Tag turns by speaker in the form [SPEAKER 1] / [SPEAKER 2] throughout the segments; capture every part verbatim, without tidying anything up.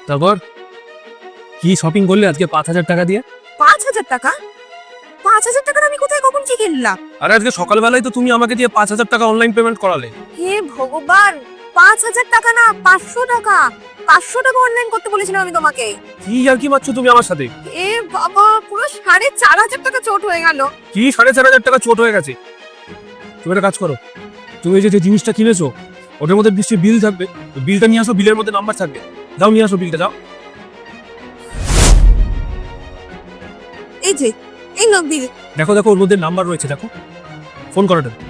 [SPEAKER 1] তারপর কি শপিং করলে আজকে পাঁচ হাজার টাকা দিয়ে?
[SPEAKER 2] পাঁচ হাজার টাকা? পাঁচ হাজার টাকার আমি কোথায় কখন কি কিনলাম?
[SPEAKER 1] আরে আজকে সকালবেলায় তো তুমি আমাকে দিয়ে পাঁচ হাজার টাকা অনলাইন পেমেন্ট করালে।
[SPEAKER 2] হে ভগবান, পাঁচ হাজার টাকা না, পাঁচশো টাকা। পাঁচশো টাকা অনলাইন করতে বলেছিলাম আমি তোমাকে।
[SPEAKER 1] কি আর কি মারছো তুমি আমার সাথে?
[SPEAKER 2] এ বাবা, পুরো সাড়ে চার হাজার টাকা চোট হয়ে গেল।
[SPEAKER 1] কি সাড়ে চার হাজার টাকা চোট হয়ে গেছে? তুমি একটা কাজ করো, তুমি এই যে যে জিনিসটা কিনেছো ওটার মধ্যে নিশ্চয়ই বিল থাকবে, বিলটা নিয়ে আসো, বিলের মধ্যে নাম্বার থাকবে। যাও নিয়ে আসো বিলটা, যাও।
[SPEAKER 2] এই যে, এই নাও বিল।
[SPEAKER 1] দেখো দেখো ওর মধ্যে নাম্বার রয়েছে, দেখো। ফোন করো এটা।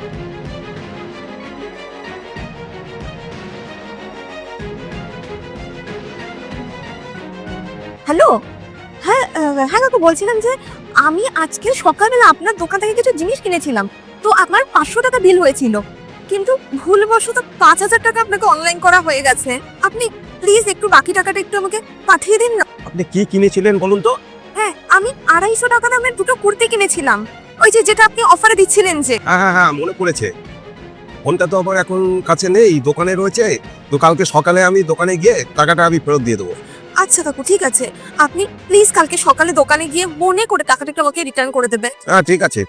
[SPEAKER 2] হ্যালো, হ্যাঁ আহ, হ্যাঁ কাকু, বলছিলাম যে আমি আজকে সকালবেলা আপনার দোকান থেকে কিছু জিনিস কিনেছিলাম, তো আপনার পাঁচশো টাকা বিল হয়েছিল, কিন্তু ভুলবশত পাঁচ হাজার টাকা আপনাকে অনলাইন করা হয়ে গেছে। আপনি প্লিজ একটু বাকি টাকাটা একটু আমাকে পাঠিয়ে দিন না।
[SPEAKER 3] আপনি কি কিনেছিলেন বলুন তো?
[SPEAKER 2] হ্যাঁ, আমি আড়াইশো টাকা দামের দুটো কুর্তি কিনেছিলাম, ওই যে যেটা আপনি অফারে দিচ্ছিলেন যে।
[SPEAKER 3] হ্যাঁ হ্যাঁ হ্যাঁ মনে পড়েছে। ফোনটা তো আবার এখন কাছে নেই, দোকানে রয়েছে। তো কালকে সকালে আমি দোকানে গিয়ে টাকাটা আমি ফেরত দিয়ে দেবো।
[SPEAKER 2] আচ্ছা কাকু, ঠিক আছে, আপনি প্লিজ কালকে সকালে দোকানে গিয়ে মনে করে টাকাটা একটু আমাকে রিটার্ন করে দেবে।
[SPEAKER 3] হ্যাঁ ঠিক আছে।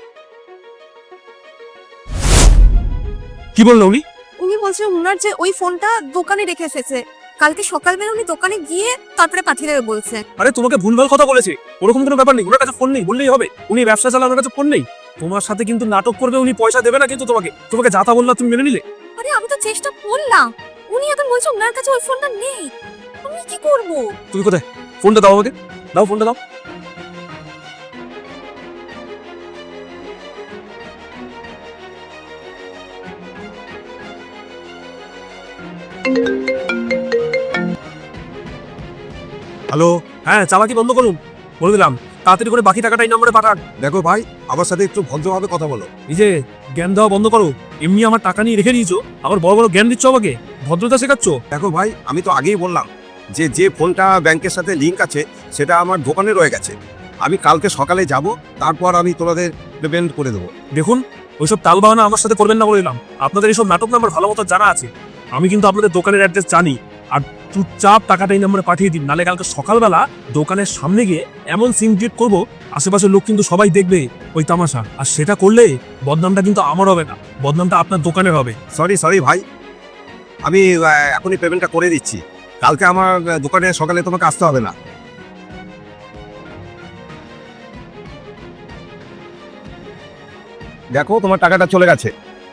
[SPEAKER 1] কি বললো উনি?
[SPEAKER 2] উনি বলছেন ওনার যে ওই ফোনটা দোকানে রেখে এসেছে, কালকে সকালবেলা উনি দোকানে গিয়ে তারপরে পাঠিয়ে দেবে বলছে।
[SPEAKER 1] আরে তোমাকে ভুলভাল কথা বলেছে, ওরকম কোনো ব্যাপার নেই। ওনার কাছে ফোন নেই বললেই হবে, উনি ব্যবসা চালান, ওনার কাছে ফোন নেই। তোমার সাথে কিন্তু নাটক করবে, উনি পয়সা দেবে না কিন্তু তোমাকে। তোমাকে যা তা বললা তুমি মেনে নিলে?
[SPEAKER 2] আরে আমি তো চেষ্টা করলাম, উনি এখন বলছে ওনার কাছে ওই ফোনটা নেই। আমি কি করব?
[SPEAKER 1] তুমি কোথায়? ফোনটা দাও আমাকে, দাও ফোনটা দাও।
[SPEAKER 3] হ্যালো।
[SPEAKER 1] হ্যাঁ, চালাকি বন্ধ করুন, বলে দিলাম। তাড়াতাড়ি করে বাকি টাকাটা এই নম্বরে পাঠান।
[SPEAKER 3] দেখো ভাই, আমার সাথে একটু ভদ্রভাবে কথা বলো।
[SPEAKER 1] এই যে জ্ঞান দেওয়া বন্ধ করো। এমনি আমার টাকা নিয়ে রেখে দিয়েছো, আবার বড় বড় জ্ঞান দিচ্ছ আমাকে, ভদ্রতা শেখাচ্ছ।
[SPEAKER 3] দেখো ভাই, আমি তো আগেই বললাম যে যে ফোনটা ব্যাংকের সাথে লিংক আছে সেটা আমার দোকানে রয়ে গেছে। আমি কালকে সকালে যাব, তারপর আমি তোমাদের পেমেন্ট করে দেবো।
[SPEAKER 1] দেখুন, ওইসব তাল বাহানা আমার সাথে করবেন না বলে দিলাম। আপনাদের এইসব নাটক নাম্বার ভালো মতো জানা আছে, আমি কিন্তু আপনাদের দোকানের অ্যাড্রেস জানি। আর চুপচাপ টাকাটা এই নম্বরে পাঠিয়ে দিন, নালে কালকে সকালবেলা দোকানের সামনে গিয়ে এমন সিন ক্রিয়েট করবো, আশেপাশের লোক কিন্তু সবাই দেখবে ওই তামাশা। আর সেটা করলে বদনামটা কিন্তু আমার হবে না, বদনামটা আপনার দোকানের হবে।
[SPEAKER 3] সরি সরি ভাই, আমি আহ, এখনই পেমেন্টটা করে দিচ্ছি। কালকে আমার আহ, দোকানে সকালে তোমাকে আসতে হবে না। দেখো তোমার টাকাটা চলে গেছে।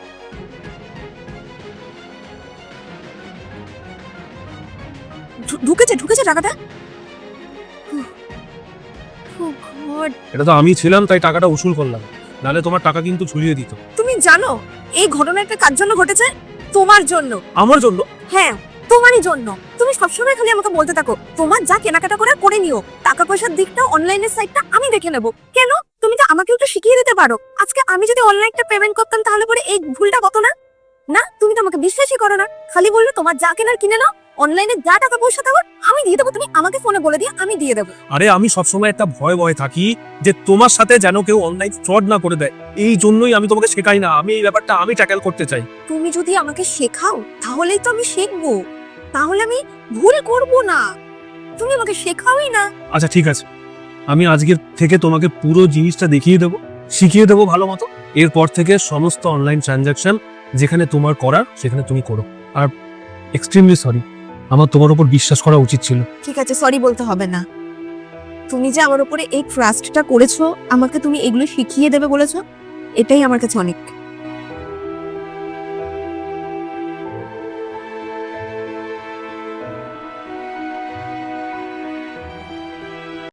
[SPEAKER 2] ঢু- ঢুকেছে ঢুকেছে টাকাটা। উহ, oh God!
[SPEAKER 1] এটা তো আমি ছিলাম তাই টাকাটা উসুল করলাম, নালে তোমার টাকা কিন্তু ঝুলিয়ে দিত।
[SPEAKER 2] তুমি জানো এই ঘটনাটা কার জন্য ঘটেছে? তোমার জন্য।
[SPEAKER 1] আমার জন্য?
[SPEAKER 2] হ্যাঁ, তোমারই জন্য। তুমি সবসময় খালি আমাকে বলতে থাকো তোমার যা কেনাকাটা করে করে নিও, টাকা পয়সার দিকটা অনলাইনের সাইটটা আমি দেখে নেব। কেন? তুমি তো আমাকে একটু শিখিয়ে দিতে পারো। আজকে আমি যদি অনলাইনটা পেমেন্ট করতাম তাহলে পরে এই ভুলটা কত না। না, তুমি তো আমাকে বিশ্বাসই করো না, খালি বললো তোমার যা কেনার কিনে নাও, অনলাইনে যা টাকা পয়সা দেবো আমি দিয়ে দেবো, তুমি আমাকে ফোনে বলে দিয়ে আমি দিয়ে দেবো।
[SPEAKER 1] আরে আমি সবসময় একটা ভয় ভয় থাকি যে তোমার সাথে যেন কেউ অনলাইন ফ্রড না করে দেয়, এই জন্যই আমি তোমাকে শেখাই না। আমি এই ব্যাপারটা আমি ট্যাকেল করতে চাই।
[SPEAKER 2] তুমি যদি আমাকে শেখাও তাহলেই তো আমি শিখবো, তাহলে আমি ভুল করব না। তুমি আমাকে শেখাওই না।
[SPEAKER 1] আচ্ছা ঠিক আছে, আমি আজকের থেকে তোমাকে পুরো জিনিসটা দেখিয়ে দেবো, শিখিয়ে দেবো ভালো মতো। এরপর থেকে সমস্ত অনলাইন ট্রানজাকশন যেখানে তোমার করার সেখানে তুমি করো। আর এক্সট্রিমলি সরি, আমার তোমার উপর বিশ্বাস করা উচিত ছিল।
[SPEAKER 2] ঠিক আছে, সরি বলতে হবে না। তুমি যে আমার উপরে এই ট্রাস্টটা করেছো, আমাকে তুমি এগুলো শিখিয়ে দেবে বলেছো, এটাই আমার কাছে অনেক।